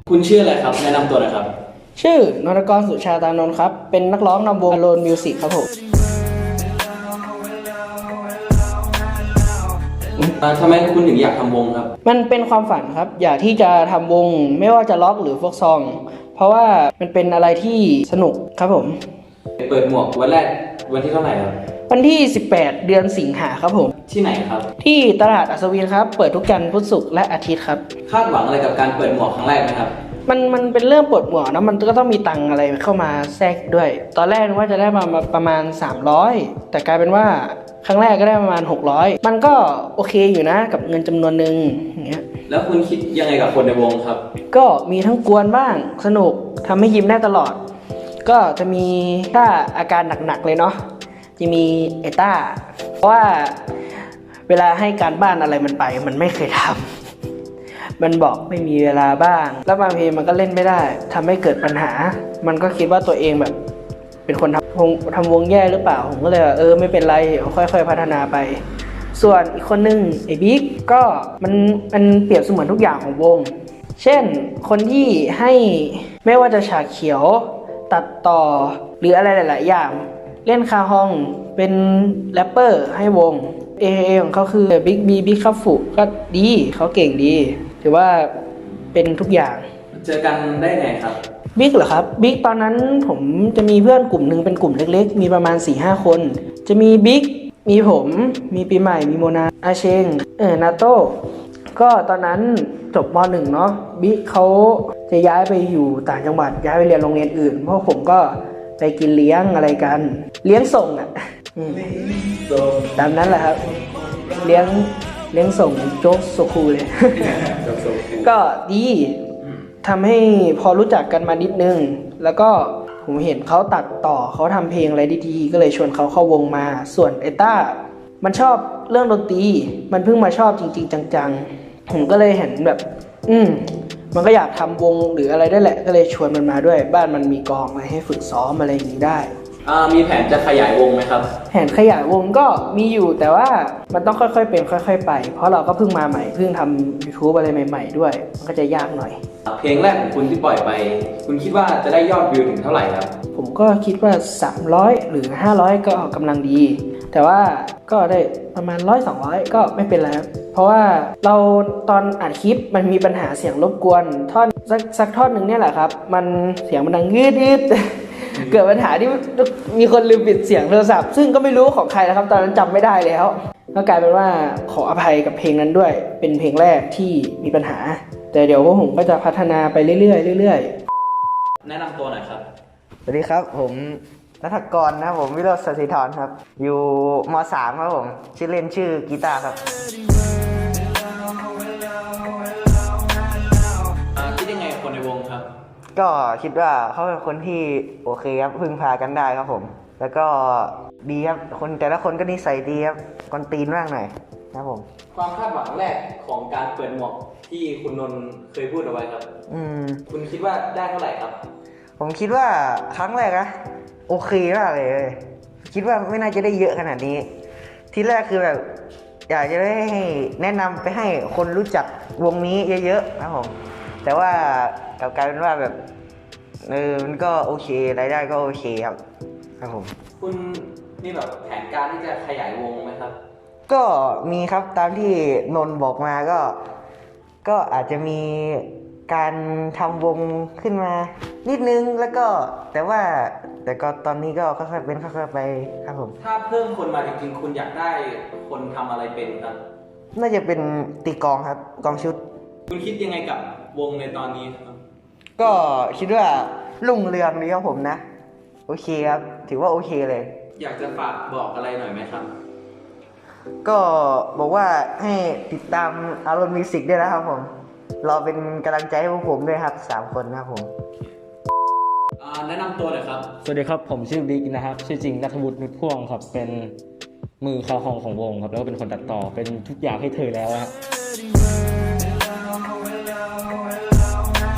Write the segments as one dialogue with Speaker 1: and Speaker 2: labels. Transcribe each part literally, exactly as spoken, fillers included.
Speaker 1: คุณชื่ออะไรครับแนะนำตัวหน่อยครับ
Speaker 2: ชื่อนรกรสุชาตานนท์ครับเป็นนักร้องนำวง Alone Music ครับผม
Speaker 1: ทำไมคุณถึงอยากทำวงครับ
Speaker 2: มันเป็นความฝันครับอยากที่จะทำวงไม่ว่าจะล็อกหรือโฟล์คซองเพราะว่ามันเป็นอะไรที่สนุกครับผม
Speaker 1: เปิดหมวกวันแรกวันที่เท่าไหร่ครับ
Speaker 2: วันที่สิบแปดเดือนสิงหาครับผม
Speaker 1: ที่ไหนครับ
Speaker 2: ที่ตลาดอัศวินครับเปิดทุกจันทร์พุธศุกร์และอาทิตย์ครับ
Speaker 1: คาดหวังอะไรกับการเปิดหมวกครั้งแรกไหมครับ
Speaker 2: มันมันเป็นเรื่องปวดหัวนะมันก็ต้องมีตังอะไรเข้ามาแทรกด้วยตอนแรกว่าจะได้มาประมาณสามร้อยแต่กลายเป็นว่าครั้งแรกก็ได้ประมาณหกร้อยมันก็โอเคอยู่นะกับเงินจำนวนหนึ่งอย่างเงี้ย
Speaker 1: แล้วคุณคิดยังไงกับคนในวงครับ
Speaker 2: ก็มีทั้งกวนบ้างสนุกทำให้ยิ้มได้ตลอดก็จะมีถ้าอาการหนักๆเลยเนาะจะมีเอต้าเพราะว่าเวลาให้การบ้านอะไรมันไปมันไม่เคยทำมันบอกไม่มีเวลาบ้างแล้วบางทีมันก็เล่นไม่ได้ทำให้เกิดปัญหามันก็คิดว่าตัวเองแบบเป็นคนทำวงทำวงแย่หรือเปล่าผมก็เลยเออไม่เป็นไรค่อยๆพัฒนาไปส่วนอีกคนนึงไอ้บิ๊กก็มันมันเปรียบเสมือนทุกอย่างของวงเช่นคนที่ให้ไม่ว่าจะฉากเขียวตัดต่อหรืออะไรหลายๆอย่างเล่นคาฮองเป็นแรปเปอร์ให้วงเอเอของเขาคือบิ๊กบีบิ๊กคัฟฟุก็ดีเขาเก่งดีถือว่าเป็นทุกอย่าง
Speaker 1: เจอกันได้ไงครับ
Speaker 2: บิ๊กเหรอครับบิ๊กตอนนั้นผมจะมีเพื่อนกลุ่มหนึ่งเป็นกลุ่มเล็กๆมีประมาณ สี่ห้า คนจะมีบิ๊กมีผมมีปีใหม่มีโมนาอาเชงเออนาโต้ก็ตอนนั้นจบม หนึ่ง เนาะบิ๊กเขาจะย้ายไปอยู่ต่างจังหวัดย้ายไปเรียนโรงเรียนอื่นเพราะผมก็ไปกินเลี้ยงอะไรกันเลี้ยงส่งอ่ะตามนั้นแหละครับเลี้ยงเลี้ยงส่งโจ๊กโซคูเลย ก็ดีทำให้พอรู้จักกันมานิดนึงแล้วก็ผมเห็นเขาตัดต่อเขาทำเพลงอะไรดีๆก็เลยชวนเขาเข้าวงมาส่วนเอต้ามันชอบเรื่องดนตรีมันเพิ่งมาชอบจริงๆจังๆผมก็เลยเห็นแบบอืมมันก็อยากทำวงหรืออะไรได้แหละก็เลยชวนมันมาด้วยบ้านมันมีกองอะไรให้ฝึกซ้อมอะไรอย่างนี้ได้
Speaker 1: มีแผนจะขยายวงไหมครับ
Speaker 2: แผนขยายวงก็มีอยู่แต่ว่ามันต้องค่อยๆเป็นค่อยๆไปเพราะเราก็เพิ่งมาใหม่เพิ่งทำ YouTube อะไรใหม่ๆด้วยมันก็จะยากหน่อย
Speaker 1: เพลงแรกของคุณที่ปล่อยไปคุณคิดว่าจะได้ยอดวิวถึงเท่าไหร่ครับ
Speaker 2: ผมก็คิดว่าสามร้อยหรือห้าร้อยก็กำลังดีแต่ว่าก็ได้ประมาณหนึ่งร้อย สองร้อยก็ไม่เป็นไรเพราะว่าเราตอนอัดคลิปมันมีปัญหาเสียงรบกวนท่อนสักสักท่อนหนึ่งเนี่ยแหละครับมันเสียงมันดังยืดยืดเกิดปัญหาที่มีคนลืมปิดเสียงโทรศัพท์ซึ่งก็ไม่รู้ของใครนะครับตอนนั้นจำไม่ได้แล้วก็กลายเป็นว่าขออภัยกับเพลงนั้นด้วยเป็นเพลงแรกที่มีปัญหาแต่เดี๋ยวพวกผมก็จะพัฒนาไปเรื่อยๆเรื่อย
Speaker 1: ๆแนะนำตัวหน่อยครับ
Speaker 2: สวัสดีครับผมณัฐกรนะผมวิโรจน์สถิธรครับอยู่ม สาม ครับผมชื่อเล่นชื่อกีตาร์ครับ
Speaker 1: คิดยังไงกับคนในวงครับ
Speaker 2: ก็คิดว่าเขาเป็นคนที่โอเคครับพึ่งพากันได้ครับผมแล้วก็ดีครับคนแต่ละคนก็นิสัยดีครับคนตีนมากหน่อยครับผม
Speaker 1: ความคาดหวังแรกของการเปิดหมวกที่คุณนนท์เคยพูดเอาไว้ครับอืมคุณคิดว่าได้เท่าไหร่ครับ
Speaker 2: ผมคิดว่าครั้งแรกนะโอเคมากเลยคิดว่าไม่น่าจะได้เยอะขนาดนี้ที่แรกคือแบบอยากจะได้แนะนำไปให้คนรู้จักวงนี้เยอะๆนะผมแต่ว่ากลับกลายเป็นว่าแบบเออมันก็โอเครายได้ก็โอเคครับครับผม
Speaker 1: คุณมีแบบแผนการที่จะขยายวงไหมครับ
Speaker 2: ก็มีครับตามที่นนท์บอกมาก็ก็อาจจะมีการทำวงขึ้นมานิดนึงแล้วก็แต่ว่าแต่ก็ตอนนี้ก็ค่อยๆเป็นค่อยๆไปครับผม
Speaker 1: ถ้าเพิ่มคนมาจริงๆคุณอยากได้คนทำอะไรเป็นครับ
Speaker 2: น่าจะเป็นตีกองครับกองชุด
Speaker 1: คุณคิดยังไงกับวงในตอนนี้ครับ
Speaker 2: ก็คิดว่ารุ่งเรืองดีครับผมนะโอเคครับถือว่าโอเคเลย
Speaker 1: อยากจะฝากบอกอะไรหน่อยไหมครับ
Speaker 2: ก็บอกว่าให้ติดตาม Alone Music ด้วยนะครับผมรอเป็นกำลังใจให้พวกผมด้วยครับสามคนนะครับผม
Speaker 1: แนะนำตัวหน่อยครับ
Speaker 3: สวัสดีครับผมชื่อบิ๊กนะครับชื่อจริงณัฐวุฒินุชพ่วงครับเป็นมือคาฮองของวงครับแล้วก็เป็นคนตัดต่อเป็นทุกอย่างให้เธอแล้วฮะ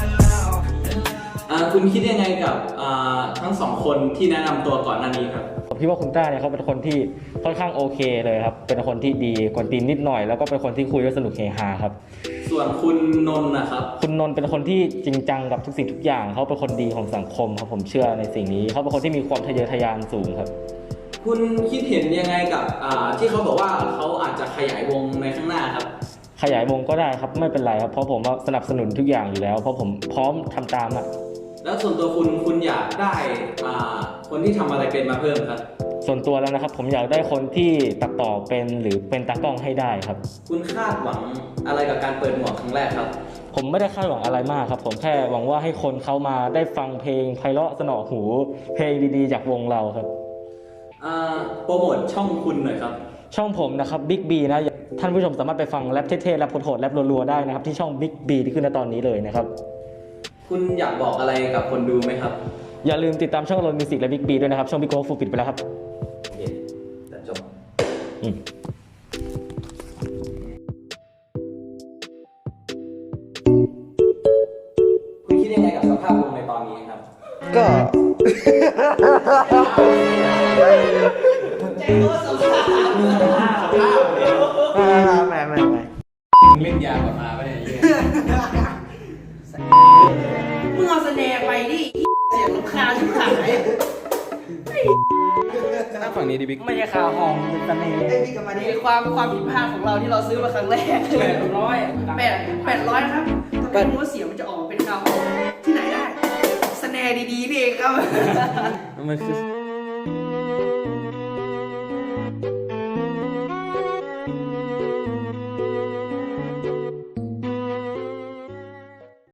Speaker 1: คุณคิดยังไงกับทั้งสองคนที่แนะนำตัวก่อนหน้านี้ครับ
Speaker 3: คิดว่าคุณต้าเนี่ยเขาเป็นคนที่ค่อนข้างโอเคเลยครับเป็นคนที่ดีกวนตีนนิดหน่อยแล้วก็เป็นคนที่คุยแล้วสนุกเฮฮาครับ
Speaker 1: ส่วนคุณนนท์นะครับ
Speaker 3: คุณนนท์เป็นคนที่จริงจังกับทุกสิ่งทุกอย่างเขาเป็นคนดีของสังคมครับผมเชื่อในสิ่งนี้เขาเป็นคนที่มีความทะเยอทะยานสูงครับ
Speaker 1: คุณคิดเห็นยังไงกับที่เขาบอกว่าเขาอาจจะขยายวงในข้างหน้าครับ
Speaker 3: ขยายวงก็ได้ครับไม่เป็นไรครับเพราะผมสนับสนุนทุกอย่างอยู่แล้วเพราะผมพร้อมทำตามอ่ะ
Speaker 1: แล้วส่วนตัวคุณคุณอยากได้คนที่ทำอะไรเป็นมาเพิ่มครับ
Speaker 3: ส่วนตัวแล้วนะครับผมอยากได้คนที่ตัดต่อเป็นหรือเป็นตากล้องให้ได้ครับ
Speaker 1: คุณคาดหวังอะไรกับการเปิดหมวกครั้งแรกครับ
Speaker 3: ผมไม่ได้คาดหวังอะไรมากครับผมแค่หวังว่าให้คนเขามาได้ฟังเพลงไพเราะสนอหูเพลงดีๆจากวงเราครับ
Speaker 1: โปรโมทช่องคุณหน่อยครับ
Speaker 3: ช่องผมนะครับบิ๊กบีนะท่านผู้ชมสามารถไปฟังแรปเท่ๆแรปโหดๆแรปรัวๆได้นะครับที่ช่องบิ๊กบีที่ขึ้นในตอนนี้เลยนะครับ
Speaker 1: คุณอยากบอกอะไรกับคนดูไหมครับ
Speaker 3: อย่าลืมติดตามช่องโรนมิวสิกและบิ๊กบีด้วยนะครับช่องบิ๊กโกฟูปิดไปแล้วครับ
Speaker 1: โอเคแต่จบคุณคิดยังไงกับสภาพวงในตอนนี้ครับ
Speaker 2: ก็
Speaker 1: ใจโคตรสงสาร
Speaker 2: ไม่ไม่ไม่
Speaker 1: เล่นยากว่ามาไม่ได้
Speaker 2: มึงเอาแสดงไปดิเสียงลูกค้าชิบหาย
Speaker 1: นั่งฝั่งนี้ดิบิ๊ก
Speaker 2: ไม่ใช่ข่าวห้องเป็นเสน่ห์ในความความผิดพลาดของเราที่เราซื้อมาครั้งแรกแปดร้อยแปดแปดร้อยครับถ้าไม่รู้ว่าเสียงมันจะออกเป็นข่าวห้องที่ไหนได้แสดงดีๆนี่เองครับ
Speaker 1: มันคือ